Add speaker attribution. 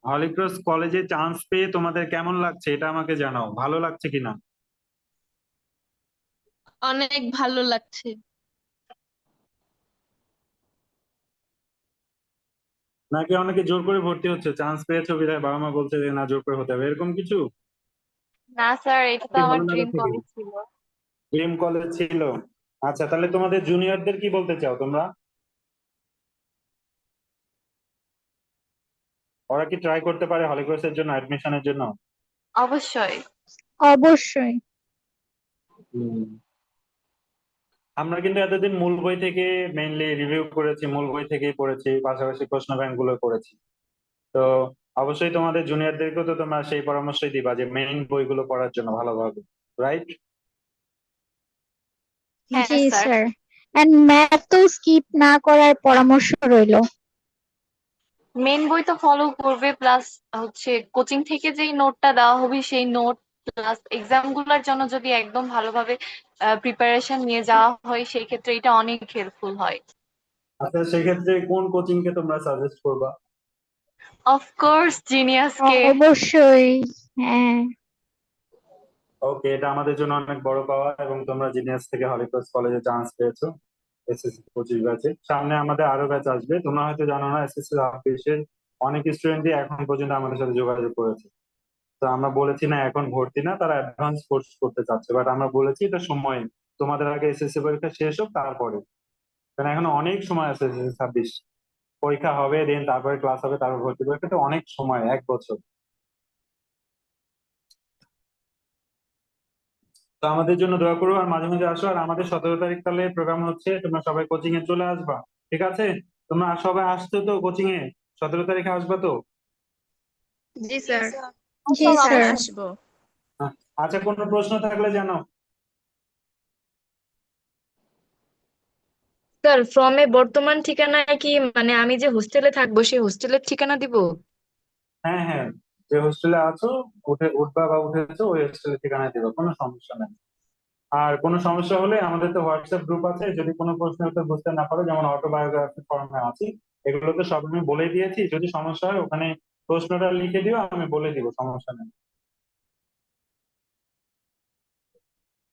Speaker 1: Holy Cross কলেজে chance পেয়ে তোমাদের কেমন লাগছে এটা আমাকে জানাও, ভালো লাগছে কিনা।
Speaker 2: অনেক ভালো লাগছে।
Speaker 1: নাকি অনেকে জোর করে ভর্তি হচ্ছে, চান্স পেয়েছো বিধায় বাবা মা বলছে যে না জোর করে হতে হবে, এরকম কিছু
Speaker 2: না স্যার, এটা তো
Speaker 1: কি
Speaker 2: আমার
Speaker 1: ভালো লাগা
Speaker 2: ড্রিম
Speaker 1: থেকে
Speaker 2: কলেজ ছিল।
Speaker 1: ড্রিম কলেজ ছিল? আচ্ছা, তাহলে তোমাদের জুনিয়রদের কি বলতে চাও তোমরা? ওরা কি ট্রাই করতে পারে হলিক্রসের জন্য, অ্যাডমিশনের জন্য?
Speaker 2: অবশ্যই।
Speaker 3: অবশ্যই।
Speaker 1: হুম। আমরা কিন্তু এতদিন মূল বই থেকে মেইনলি রিভিউ করেছি, মূল বই থেকেই পড়েছি, পাশাপাশি প্রশ্ন ব্যাংক গুলো করেছি। তো অবশ্যই তোমাদের জুনিয়রদেরকেও তো তোমরা সেই পরামর্শই দিবা যে মেইন বইগুলো পড়ার জন্য ভালোভাবে, রাইট?
Speaker 2: হ্যাঁ
Speaker 3: জি
Speaker 2: স্যার।
Speaker 3: স্যার। এন্ড ম্যাথ তো স্কিপ না করার পরামর্শ রইলো।
Speaker 2: মেন বই তো ফলো করবে, প্লাস হচ্ছে কোচিং থেকে যেই নোটটা দেওয়া হবে সেই নোট, প্লাস এক্সাম গুলার জন্য যদি একদম ভালোভাবে প্রিপারেশন নিয়ে যাওয়া হয় সেই ক্ষেত্রে এটা অনেক হেল্পফুল হয়।
Speaker 1: আচ্ছা, সেক্ষেত্রে কোন কোচিং কে তোমরা সাজেস্ট করবা?
Speaker 2: অফকোর্স জিনিয়াস কে।
Speaker 3: অবশ্যই। হ্যাঁ।
Speaker 1: ওকে, এটা আমাদের জন্য অনেক বড় পাওয়া, এবং তোমরা জিনিয়াস থেকে হলিক্রস কলেজে চান্স পেয়েছো এসএসসি 25 ব্যাচে। সামনে আমাদের আরো ব্যাচ আসবে, তোমরা হয়তো জানো না, এসএসসি 26-এর অনেক স্টুডেন্টই এখন পর্যন্ত আমাদের সাথে যোগাযোগ করেছে। তো আমরা বলেছি না এখন ভর্তি না, তারা অ্যাডভান্স কোর্স করতে চাচ্ছে, বাট আমরা বলেছি এটা সময়, তোমাদের আগে এসএসসি পরীক্ষা শেষ হোক তারপরে, কারণ এখন অনেক সময় আছে। এসএসসি 26 পরীক্ষা হবে, দেন তারপরে ক্লাস হবে, তারপর ভর্তি পরীক্ষা, তো অনেক সময়, 1 বছর। তো আমাদের জন্য দোয়া করো, আর মাঝে মাঝে আসো। আর আমাদের 17 তারিখ তাহলে প্রোগ্রাম হচ্ছে, তোমরা সবাই কোচিং এ চলে আসবা, ঠিক আছে? তোমরা সবাই আসছো তো কোচিং এ? 17 তারিখে আসবা তো?
Speaker 4: জি স্যার।
Speaker 3: জি
Speaker 2: সব
Speaker 3: স্যার।
Speaker 2: অবশ্যই।
Speaker 4: আসবো।
Speaker 1: হ্যাঁ। আচ্ছা, কোনো প্রশ্ন থাকলে জানো।
Speaker 4: স্যার, ফর্মে বর্তমান ঠিকানায় কি মানে আমি যে হোস্টেলে থাকবো সেই হোস্টেলের ঠিকানা দিব?
Speaker 1: হ্যাঁ হ্যাঁ, যে হোস্টেলে আছো, উঠবা বা উঠেছো, ওই হোস্টেলের ঠিকানায় দিবা, কোনো সমস্যা নেই। আর কোনো সমস্যা হলে আমাদের তো হোয়াটসঅ্যাপ গ্রুপ আছে, যদি কোনো প্রশ্নের উত্তর বুঝতে না পারো, যেমন অটোবায়োগ্রাফি ফর্মে আছি, এগুলো তো সব আমি বলে দিয়েছি, যদি সমস্যা হয় ওখানে প্রশ্নটা লিখে দিও, আমি বলে দিব, সমস্যা নেই।